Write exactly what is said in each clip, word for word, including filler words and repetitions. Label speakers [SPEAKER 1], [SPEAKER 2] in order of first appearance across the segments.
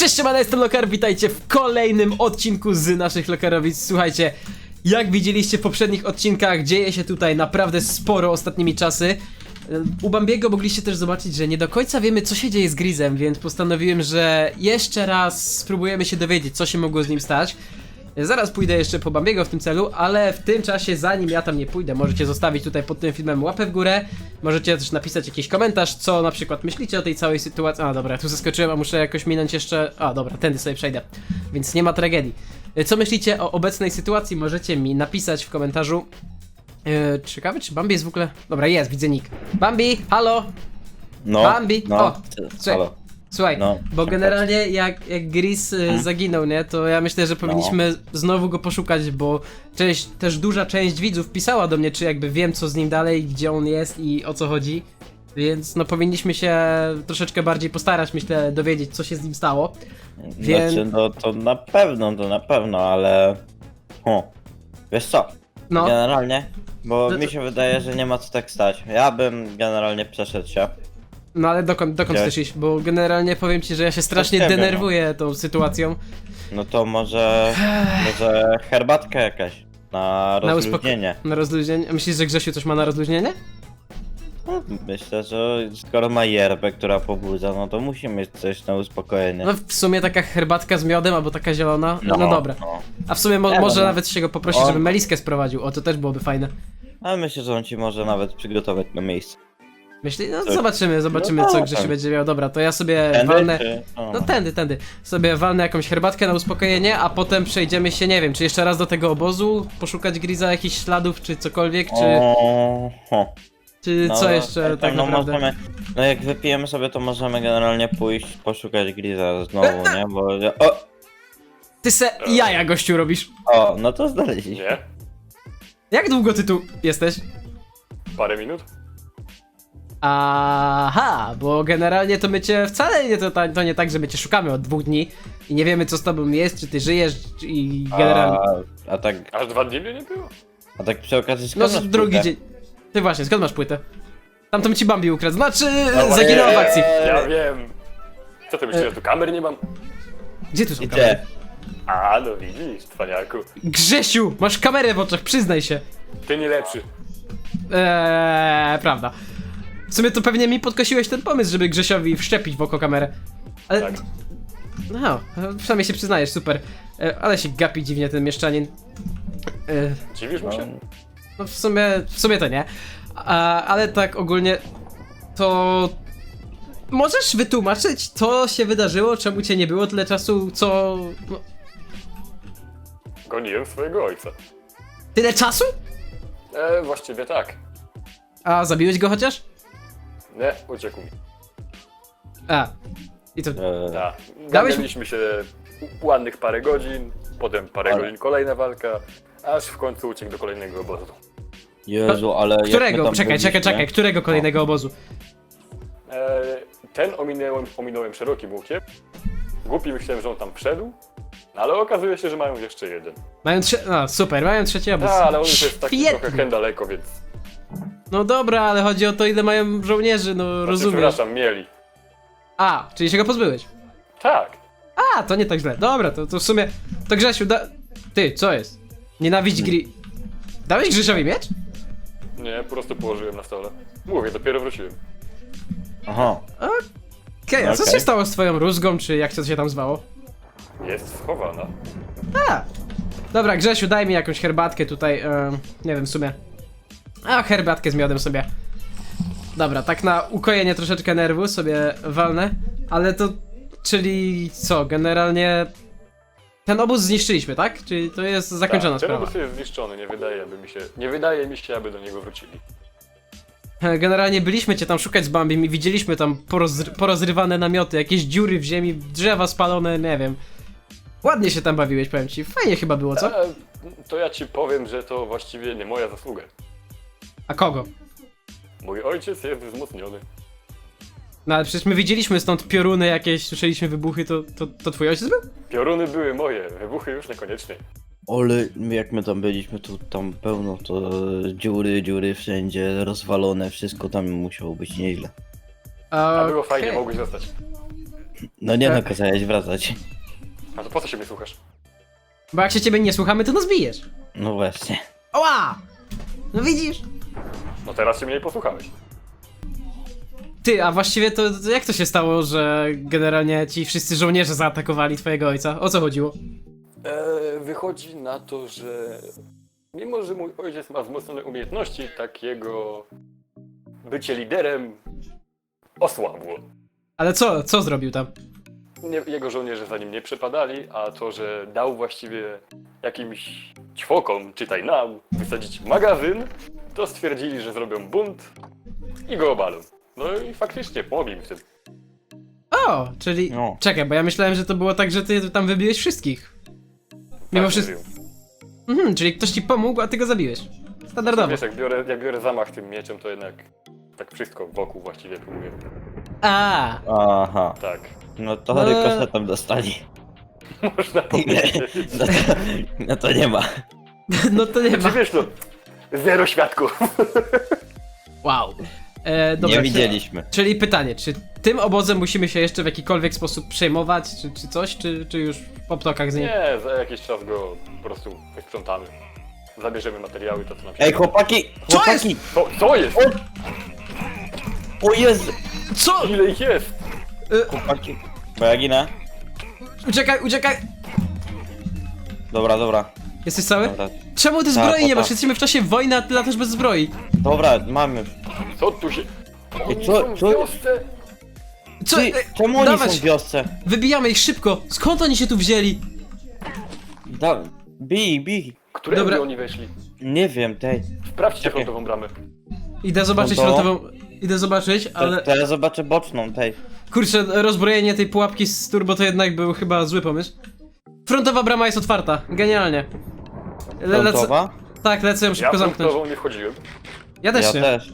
[SPEAKER 1] Cześć, siemano, jestem Lokar, witajcie w kolejnym odcinku z naszych Lokarowic. Słuchajcie, jak widzieliście w poprzednich odcinkach, dzieje się tutaj naprawdę sporo ostatnimi czasy. U Bambiego mogliście też zobaczyć, że nie do końca wiemy, co się dzieje z Grizem, więc postanowiłem, że jeszcze raz spróbujemy się dowiedzieć, co się mogło z nim stać. Zaraz pójdę jeszcze po Bambiego w tym celu, ale w tym czasie, zanim ja tam nie pójdę, możecie zostawić tutaj pod tym filmem łapę w górę. Możecie też napisać jakiś komentarz, co na przykład myślicie o tej całej sytuacji. A dobra, tu zaskoczyłem, a muszę jakoś minąć jeszcze... A dobra, tędy sobie przejdę, więc nie ma tragedii. Co myślicie o obecnej sytuacji? Możecie mi napisać w komentarzu. Yy, ciekawe, czy Bambi jest w ogóle... Dobra, jest, widzę nick. Bambi, halo!
[SPEAKER 2] No,
[SPEAKER 1] Bambi,
[SPEAKER 2] no,
[SPEAKER 1] o, słuchaj.
[SPEAKER 2] halo.
[SPEAKER 1] Słuchaj,
[SPEAKER 2] No,
[SPEAKER 1] bo
[SPEAKER 2] tak,
[SPEAKER 1] generalnie jak, jak Gris y,
[SPEAKER 2] Hmm?
[SPEAKER 1] zaginął, nie, to ja myślę, że powinniśmy znowu go poszukać, bo część, też duża część widzów pisała do mnie, czy jakby wiem, co z nim dalej, gdzie on jest i o co chodzi. Więc no powinniśmy się troszeczkę bardziej postarać, myślę, dowiedzieć, co się z nim stało. Więc...
[SPEAKER 2] Znaczy, no to na pewno, to na pewno, ale... O, wiesz co,
[SPEAKER 1] No,
[SPEAKER 2] generalnie, bo
[SPEAKER 1] No to-
[SPEAKER 2] mi się wydaje, że nie ma co tak stać. Ja bym generalnie przeszedł się.
[SPEAKER 1] no ale dokąd, dokąd
[SPEAKER 2] Gdzie?
[SPEAKER 1] chcesz iść? Bo generalnie powiem ci, że ja się strasznie
[SPEAKER 2] ciebie, no.
[SPEAKER 1] denerwuję tą sytuacją.
[SPEAKER 2] No to może, może herbatka jakaś na
[SPEAKER 1] Na
[SPEAKER 2] rozluźnienie.
[SPEAKER 1] Na rozluźnienie. Myślisz, że Grzesiu coś ma na rozluźnienie?
[SPEAKER 2] No, myślę, że skoro ma yerbę, która pobudza, no to musi mieć coś na uspokojenie.
[SPEAKER 1] No w sumie taka herbatka z miodem albo taka zielona. No, no dobra.
[SPEAKER 2] No.
[SPEAKER 1] A w sumie mo
[SPEAKER 2] Nie,
[SPEAKER 1] może
[SPEAKER 2] no.
[SPEAKER 1] nawet się go poprosić,
[SPEAKER 2] On-
[SPEAKER 1] żeby meliskę sprowadził. O, to też byłoby fajne.
[SPEAKER 2] Ale myślę, że on ci może nawet przygotować na miejsce.
[SPEAKER 1] Myśli? No
[SPEAKER 2] Tak.
[SPEAKER 1] zobaczymy, zobaczymy
[SPEAKER 2] No
[SPEAKER 1] co
[SPEAKER 2] tak.
[SPEAKER 1] Grzesiu będzie miał. Dobra, to ja sobie
[SPEAKER 2] Tędy,
[SPEAKER 1] walnę...
[SPEAKER 2] czy- o.
[SPEAKER 1] No tędy, tędy. Sobie walnę jakąś herbatkę na uspokojenie, a potem przejdziemy się, nie wiem, czy jeszcze raz do tego obozu, poszukać Griza, jakichś śladów, czy cokolwiek, czy,
[SPEAKER 2] O, ho.
[SPEAKER 1] czy
[SPEAKER 2] No,
[SPEAKER 1] co jeszcze
[SPEAKER 2] no,
[SPEAKER 1] tak
[SPEAKER 2] no,
[SPEAKER 1] naprawdę.
[SPEAKER 2] możemy, no jak wypijemy sobie, to możemy generalnie pójść poszukać Griza znowu, nie? Bo... O!
[SPEAKER 1] Ty se jaja, gościu, robisz.
[SPEAKER 2] O, no to znaleźliśmy.
[SPEAKER 3] Nie?
[SPEAKER 1] Jak długo ty tu jesteś?
[SPEAKER 3] Parę minut?
[SPEAKER 1] Aha, bo generalnie to my cię wcale nie, to, to nie tak, że my cię szukamy od dwóch dni i nie wiemy co z tobą jest, czy ty żyjesz i generalnie...
[SPEAKER 2] A, a tak,
[SPEAKER 3] Aż dwa dni mnie nie było?
[SPEAKER 2] a tak przy okazji
[SPEAKER 1] No
[SPEAKER 2] skąd masz
[SPEAKER 1] drugi
[SPEAKER 2] płytę?
[SPEAKER 1] dzień. Ty właśnie, skąd masz płytę? Tamto ci Bambi ukradł, znaczy
[SPEAKER 2] No
[SPEAKER 1] zaginęła w
[SPEAKER 2] właśnie.
[SPEAKER 1] akcji.
[SPEAKER 3] Ja wiem. Co ty myślisz, że tu kamer nie mam?
[SPEAKER 1] Gdzie tu są kamery?
[SPEAKER 2] Gdzie?
[SPEAKER 3] A, no widzisz, cwaniaku.
[SPEAKER 1] Grzesiu, masz kamerę w oczach, przyznaj się.
[SPEAKER 3] Ty nie lepszy.
[SPEAKER 1] Eee, prawda. W sumie to pewnie mi podkosiłeś ten pomysł, żeby Grzesiowi wszczepić w oko kamerę. Ale...
[SPEAKER 3] Tak.
[SPEAKER 1] No, przynajmniej się przyznajesz, super. E, ale się gapi dziwnie ten mieszczanin. E,
[SPEAKER 3] Dziwisz mu się?
[SPEAKER 1] no w sumie, w sumie to nie. A, ale tak ogólnie to... Możesz wytłumaczyć, co się wydarzyło, czemu cię nie było tyle czasu, co... No,
[SPEAKER 3] Goniłem swojego ojca.
[SPEAKER 1] tyle czasu?
[SPEAKER 3] E, właściwie tak.
[SPEAKER 1] A zabiłeś go chociaż?
[SPEAKER 3] Nie, uciekł mi.
[SPEAKER 1] A. I to...
[SPEAKER 2] E,
[SPEAKER 3] Tak.
[SPEAKER 1] Dałeś-
[SPEAKER 3] Ganialiśmy się ładnych parę godzin, potem parę
[SPEAKER 2] Ale-
[SPEAKER 3] godzin kolejna walka, aż w końcu uciekł do kolejnego obozu.
[SPEAKER 2] Jezu, ale jak my
[SPEAKER 1] Którego?
[SPEAKER 2] tam
[SPEAKER 1] Czekaj,
[SPEAKER 2] byliśmy-
[SPEAKER 1] czekaj, czekaj, którego kolejnego obozu?
[SPEAKER 3] E, ten ominąłem, ominąłem szerokim łukiem. Głupi myślałem, że on tam wszedł, no ale okazuje się, że mają jeszcze jeden.
[SPEAKER 1] Mają trzy... No, super, mają trzeci obóz.
[SPEAKER 3] Tak, ale on już jest taki
[SPEAKER 1] Świetnie.
[SPEAKER 3] trochę hen daleko, więc...
[SPEAKER 1] No dobra, ale chodzi o to, ile mają żołnierzy, no
[SPEAKER 3] Znaczy,
[SPEAKER 1] rozumiesz.
[SPEAKER 3] przepraszam, mieli.
[SPEAKER 1] A, czyli się go pozbyłeś.
[SPEAKER 3] Tak.
[SPEAKER 1] A, to nie tak źle. Dobra, to, to w sumie... To Grzesiu, da... Ty, co jest? Nienawiść gry... Dałeś Grzesiowi miecz?
[SPEAKER 3] Nie, po prostu położyłem na stole. Mówię, dopiero wróciłem.
[SPEAKER 2] Aha.
[SPEAKER 1] Okej, a co
[SPEAKER 2] Okej.
[SPEAKER 1] się stało z twoją rózgą, czy jak to się tam zwało?
[SPEAKER 3] Jest schowana.
[SPEAKER 1] A. Dobra, Grzesiu, daj mi jakąś herbatkę tutaj, em, nie wiem w sumie. A, herbatkę z miodem sobie. Dobra, tak na ukojenie troszeczkę nerwu sobie walnę, ale to... Czyli co, generalnie... Ten obóz zniszczyliśmy, tak? Czyli to jest zakończona
[SPEAKER 3] Tak, ten
[SPEAKER 1] sprawa.
[SPEAKER 3] obóz jest zniszczony, nie wydaje, aby mi się, nie wydaje mi się, aby do niego wrócili.
[SPEAKER 1] Generalnie byliśmy cię tam szukać z Bambim i widzieliśmy tam porozry porozrywane namioty, jakieś dziury w ziemi, drzewa spalone, nie wiem. Ładnie się tam bawiłeś, powiem ci. Fajnie chyba było, co?
[SPEAKER 3] E, to ja ci powiem, że to właściwie nie moja zasługa.
[SPEAKER 1] A kogo?
[SPEAKER 3] Mój ojciec jest wzmocniony.
[SPEAKER 1] No ale przecież my widzieliśmy stąd pioruny jakieś, słyszeliśmy wybuchy, to, to, to twój ojciec był?
[SPEAKER 3] Pioruny były moje, wybuchy już niekoniecznie.
[SPEAKER 2] Ale jak my tam byliśmy, to tam pełno to dziury, dziury wszędzie, rozwalone, wszystko tam musiało być nieźle.
[SPEAKER 3] A było
[SPEAKER 1] Okej.
[SPEAKER 3] fajnie, mogłeś zostać.
[SPEAKER 2] No nie
[SPEAKER 1] E.
[SPEAKER 2] no, kazałeś wracać.
[SPEAKER 3] A to po co się mnie słuchasz?
[SPEAKER 1] Bo jak się ciebie nie słuchamy, to nas bijesz.
[SPEAKER 2] No właśnie.
[SPEAKER 1] Oła! No widzisz?
[SPEAKER 3] No teraz się mnie posłuchałeś.
[SPEAKER 1] Ty, a właściwie to, to jak to się stało, że generalnie ci wszyscy żołnierze zaatakowali twojego ojca? O co chodziło?
[SPEAKER 3] E, wychodzi na to, że mimo, że mój ojciec ma wzmocnione umiejętności, tak jego bycie liderem osłabło.
[SPEAKER 1] Ale co, co zrobił tam?
[SPEAKER 3] Nie, jego żołnierze za nim nie przepadali, a to, że dał właściwie jakimś ćwokom, czytaj nam, wysadzić magazyn, to stwierdzili, że zrobią bunt i go obalą. No i faktycznie pomogli mi w tym.
[SPEAKER 1] O, czyli...
[SPEAKER 2] No.
[SPEAKER 1] Czekaj, bo ja myślałem, że to było tak, że ty tam wybiłeś wszystkich. Mimo
[SPEAKER 3] Tak,
[SPEAKER 1] wszystko...
[SPEAKER 3] mówił.
[SPEAKER 1] Mhm, czyli ktoś ci pomógł, a ty go zabiłeś. Standardowo.
[SPEAKER 3] Wiesz, jak biorę, jak biorę zamach tym mieczem, to jednak tak wszystko wokół właściwie próbuję.
[SPEAKER 1] A,
[SPEAKER 2] Aha.
[SPEAKER 3] Tak.
[SPEAKER 2] No to
[SPEAKER 1] No.
[SPEAKER 2] rykosza tam dostali.
[SPEAKER 3] Można powiedzieć.
[SPEAKER 2] No to, no to nie ma.
[SPEAKER 1] no to nie ma.
[SPEAKER 3] Czy wiesz, no, zero świadków.
[SPEAKER 1] Wow. E, dobra,
[SPEAKER 2] Nie
[SPEAKER 1] czy-
[SPEAKER 2] widzieliśmy.
[SPEAKER 1] Czyli pytanie, czy tym obozem musimy się jeszcze w jakikolwiek sposób przejmować, czy, czy coś, czy, czy już po ptokach z nim?
[SPEAKER 3] Nie, za jakiś czas go po prostu wysprzątamy. Zabierzemy materiały, to co nam się...
[SPEAKER 2] Ej, chłopaki!
[SPEAKER 1] Co
[SPEAKER 2] Chłopaki!
[SPEAKER 3] Co, co jest?
[SPEAKER 2] O Jezu!
[SPEAKER 1] Co?
[SPEAKER 3] Ile ich jest?
[SPEAKER 1] E,
[SPEAKER 2] Chłopaki. Bo ja ginę?
[SPEAKER 1] uciekaj, uciekaj!
[SPEAKER 2] Dobra, dobra.
[SPEAKER 1] Jesteś cały?
[SPEAKER 2] Dobra,
[SPEAKER 1] Czemu ty
[SPEAKER 2] Tak,
[SPEAKER 1] zbroi nie
[SPEAKER 2] tak.
[SPEAKER 1] masz? Jesteśmy w czasie wojny, a ty latasz bez zbroi.
[SPEAKER 2] dobra mamy.
[SPEAKER 3] Co tu się... Oni
[SPEAKER 2] co-
[SPEAKER 3] są w
[SPEAKER 2] co-
[SPEAKER 3] wiosce.
[SPEAKER 1] Co?
[SPEAKER 2] Ty,
[SPEAKER 1] E,
[SPEAKER 2] czemu oni
[SPEAKER 1] dawać.
[SPEAKER 2] są w wiosce?
[SPEAKER 1] Wybijamy ich szybko! Skąd oni się tu wzięli?
[SPEAKER 2] Da, bij, bij.
[SPEAKER 3] Którędy
[SPEAKER 1] Dobra.
[SPEAKER 3] oni weszli?
[SPEAKER 2] Nie wiem, tej.
[SPEAKER 3] Sprawdźcie
[SPEAKER 2] Czekaj.
[SPEAKER 3] frontową bramę.
[SPEAKER 1] Idę zobaczyć
[SPEAKER 2] No to-
[SPEAKER 1] frontową... Idę zobaczyć,
[SPEAKER 2] To,
[SPEAKER 1] ale...
[SPEAKER 2] to ja zobaczę boczną, tej.
[SPEAKER 1] Kurczę, rozbrojenie tej pułapki z turbo to jednak był chyba zły pomysł. Frontowa brama jest otwarta, genialnie. Le, lecę,
[SPEAKER 2] Frontowa?
[SPEAKER 1] tak, lecę ją
[SPEAKER 3] Ja
[SPEAKER 1] szybko zamknąć.
[SPEAKER 3] frontową nie wchodziłem.
[SPEAKER 1] Ja też
[SPEAKER 2] Ja
[SPEAKER 1] nie.
[SPEAKER 2] też.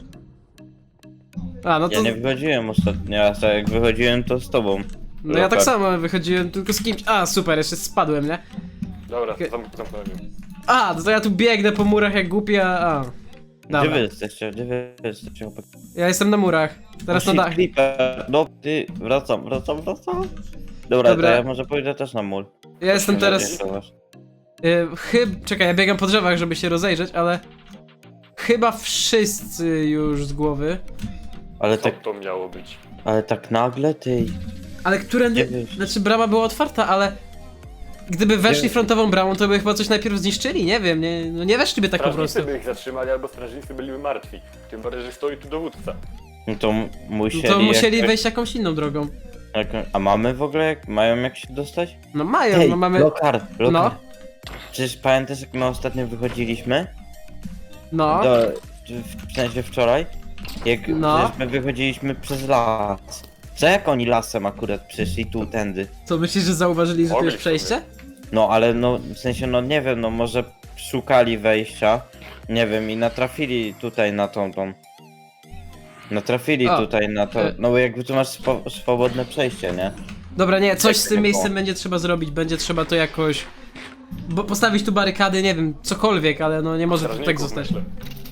[SPEAKER 1] A, no
[SPEAKER 2] Ja
[SPEAKER 1] to...
[SPEAKER 2] nie wychodziłem ostatnio, ja tak jak wychodziłem to z tobą.
[SPEAKER 1] No ja tak
[SPEAKER 2] Lokal.
[SPEAKER 1] samo wychodziłem, tylko z kimś... A, super, jeszcze spadłem, nie?
[SPEAKER 3] Dobra,
[SPEAKER 1] Okej.
[SPEAKER 3] zam zamknąłem ją.
[SPEAKER 1] A, no to ja tu biegnę po murach jak głupia, a...
[SPEAKER 2] Gdzie
[SPEAKER 1] Dobra,
[SPEAKER 2] wy jesteście? Gdzie wy jesteście? chłopaki?
[SPEAKER 1] ja jestem na murach. Teraz na
[SPEAKER 2] O, shit,
[SPEAKER 1] dach.
[SPEAKER 2] Creeper. No, ty, wracam, wracam, wracam. Dobra,
[SPEAKER 1] Dobra.
[SPEAKER 2] to ja może pójdę też na mól.
[SPEAKER 1] Ja jestem
[SPEAKER 2] Nie
[SPEAKER 1] teraz...
[SPEAKER 2] zadziałasz.
[SPEAKER 1] Y, chyb... Czekaj, ja biegam po drzewach, żeby się rozejrzeć, ale... Chyba wszyscy już z głowy.
[SPEAKER 2] Ale
[SPEAKER 3] Co
[SPEAKER 2] tak,
[SPEAKER 3] to miało być?
[SPEAKER 2] ale tak nagle, ty.
[SPEAKER 1] Ale którędy...
[SPEAKER 2] Nie wiesz.
[SPEAKER 1] Znaczy brama była otwarta, ale... Gdyby weszli
[SPEAKER 2] Nie.
[SPEAKER 1] frontową bramą, to by chyba coś najpierw zniszczyli, nie wiem, nie, no nie weszliby tak po
[SPEAKER 3] Strażnicy
[SPEAKER 1] prostu.
[SPEAKER 3] by ich zatrzymali, albo strażnicy byliby martwi. Tym bardziej, że stoi tu dowódca.
[SPEAKER 2] No to m-
[SPEAKER 1] No
[SPEAKER 2] musieli.
[SPEAKER 1] to musieli
[SPEAKER 2] jak,
[SPEAKER 1] wejść jakąś inną drogą.
[SPEAKER 2] Jak, a mamy w ogóle, jak, mają jak się dostać?
[SPEAKER 1] No mają,
[SPEAKER 2] Hej,
[SPEAKER 1] no mamy...
[SPEAKER 2] lokar, lokar.
[SPEAKER 1] No.
[SPEAKER 2] Przecież pamiętasz jak my ostatnio wychodziliśmy?
[SPEAKER 1] No,
[SPEAKER 2] Do, w sensie wczoraj? Jak
[SPEAKER 1] No.
[SPEAKER 2] przecież my wychodziliśmy przez las. Za jak oni lasem akurat przyszli tu, tędy?
[SPEAKER 1] co myślisz, że zauważyli, że tu
[SPEAKER 3] Mogli
[SPEAKER 1] jest
[SPEAKER 3] w sumie.
[SPEAKER 1] przejście?
[SPEAKER 2] No ale no, w sensie no nie wiem, no może szukali wejścia, nie wiem i natrafili tutaj na tą tą. Natrafili
[SPEAKER 1] A,
[SPEAKER 2] tutaj na to,
[SPEAKER 1] e.
[SPEAKER 2] no bo jakby tu masz swo swobodne przejście, nie?
[SPEAKER 1] Dobra, nie, coś z tym
[SPEAKER 2] nie
[SPEAKER 1] miejscem
[SPEAKER 2] było.
[SPEAKER 1] będzie trzeba zrobić, będzie trzeba to jakoś... Bo postawić tu barykady, nie wiem, cokolwiek, ale no nie może to tak
[SPEAKER 3] Strażników,
[SPEAKER 1] zostać.
[SPEAKER 3] myślę.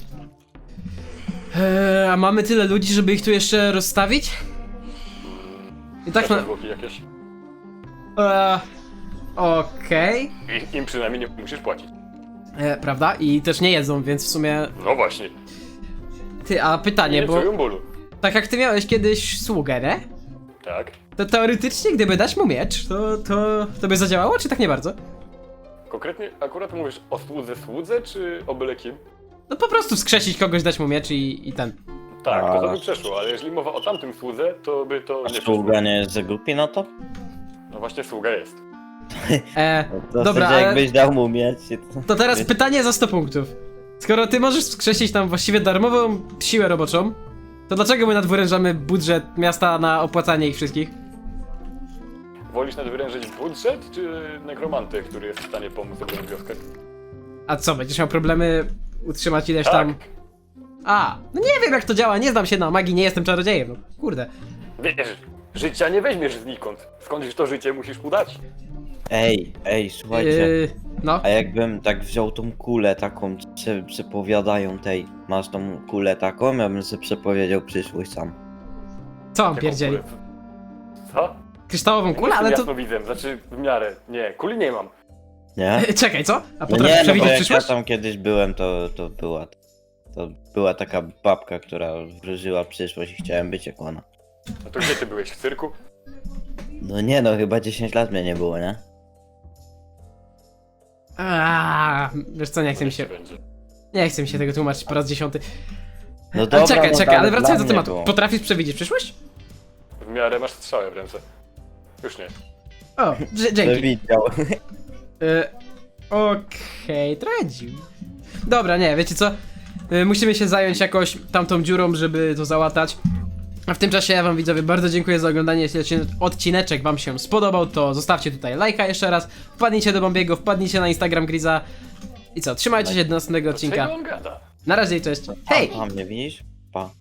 [SPEAKER 1] Eee, a mamy tyle ludzi, żeby ich tu jeszcze rozstawić? I tak
[SPEAKER 3] Też
[SPEAKER 1] na...
[SPEAKER 3] zwłoki jakieś.
[SPEAKER 1] Eee, Okej.
[SPEAKER 3] I, im przynajmniej nie musisz płacić.
[SPEAKER 1] E, Prawda? I też nie jedzą, więc w sumie...
[SPEAKER 3] No właśnie.
[SPEAKER 1] Ty, a pytanie,
[SPEAKER 3] Nie
[SPEAKER 1] bo
[SPEAKER 3] czują bólu.
[SPEAKER 1] tak jak ty miałeś kiedyś sługę, nie?
[SPEAKER 3] Tak.
[SPEAKER 1] To teoretycznie, gdyby dać mu miecz, to, to, to by zadziałało, czy tak nie bardzo?
[SPEAKER 3] Konkretnie akurat mówisz o słudze słudze, czy o byle kim?
[SPEAKER 1] No po prostu wskrzesić kogoś, dać mu miecz i, i ten.
[SPEAKER 3] Tak, to, to
[SPEAKER 2] A.
[SPEAKER 3] by przeszło, ale jeżeli mowa o tamtym słudze, to by to
[SPEAKER 2] A
[SPEAKER 3] nie przeszło.
[SPEAKER 2] sługa nie jest za głupi na to?
[SPEAKER 3] No właśnie sługa jest.
[SPEAKER 1] E,
[SPEAKER 2] To
[SPEAKER 1] Dobra,
[SPEAKER 2] wtedy
[SPEAKER 1] ale-
[SPEAKER 2] jakbyś dał mu mieć. To,
[SPEAKER 1] to teraz pytanie za sto punktów. Skoro ty możesz wskrzesić tam właściwie darmową siłę roboczą, to dlaczego my nadwyrężamy budżet miasta na opłacanie ich wszystkich?
[SPEAKER 3] Wolisz nadwyrężyć budżet, czy nekromantę, który jest w stanie pomóc obronić wioskę?
[SPEAKER 1] A co, będziesz miał problemy utrzymać ileś
[SPEAKER 3] Tak.
[SPEAKER 1] tam... A, no nie wiem jak to działa, nie znam się na magii, nie jestem czarodziejem, no kurde.
[SPEAKER 3] Wiesz, życia nie weźmiesz znikąd. Skądś to życie musisz mu dać.
[SPEAKER 2] Ej, ej, słuchajcie.
[SPEAKER 1] Yy, no,
[SPEAKER 2] A jakbym tak wziął tą kulę taką, co przepowiadają tej, masz tą kulę taką, ja bym sobie przepowiedział przyszłość sam.
[SPEAKER 1] co on
[SPEAKER 3] Jaką
[SPEAKER 1] pierdzieli?
[SPEAKER 3] kulę? Co?
[SPEAKER 1] kryształową kulę, ale to...
[SPEAKER 3] Jasnowidzem, znaczy w miarę. Nie, kuli nie mam.
[SPEAKER 2] Nie?
[SPEAKER 1] Czekaj, co? A
[SPEAKER 2] No
[SPEAKER 1] potrafisz
[SPEAKER 2] nie, no bo
[SPEAKER 1] przewidzieć
[SPEAKER 2] jak ja
[SPEAKER 1] przyszłość?
[SPEAKER 2] tam kiedyś byłem, to, to była... To była taka babka, która wróżyła przyszłość i chciałem być jak ona.
[SPEAKER 3] No to gdzie ty byłeś? W cyrku?
[SPEAKER 2] No nie no, chyba dziesięć lat mnie nie było, nie?
[SPEAKER 1] Aaaa, wiesz co, nie chcę mi się...
[SPEAKER 3] Będzie.
[SPEAKER 1] Nie chcę mi się tego tłumaczyć po raz dziesiąty.
[SPEAKER 2] No
[SPEAKER 1] Ale
[SPEAKER 2] dobra,
[SPEAKER 1] czekaj,
[SPEAKER 2] no
[SPEAKER 1] czekaj, ale
[SPEAKER 2] dla
[SPEAKER 1] wracając do
[SPEAKER 2] mnie
[SPEAKER 1] tematu.
[SPEAKER 2] było.
[SPEAKER 1] Potrafisz przewidzieć przyszłość?
[SPEAKER 3] W miarę masz strzałę w ręce. Już nie.
[SPEAKER 1] O, dż- dzięki.
[SPEAKER 2] Widział.
[SPEAKER 1] Y, Okej, trochę dziwne. Dobra, nie, wiecie co? Y, musimy się zająć jakoś tamtą dziurą, żeby to załatać. A w tym czasie ja wam widzowie bardzo dziękuję za oglądanie. Jeśli odcin- odcineczek wam się spodobał, to zostawcie tutaj lajka jeszcze raz. Wpadnijcie do Bombiego, wpadnijcie na Instagram Griza. I co, trzymajcie się do następnego
[SPEAKER 3] Dlaczego
[SPEAKER 1] odcinka.
[SPEAKER 3] on gada?
[SPEAKER 1] Na razie i cześć. Hej!
[SPEAKER 2] A mnie widzisz? Pa.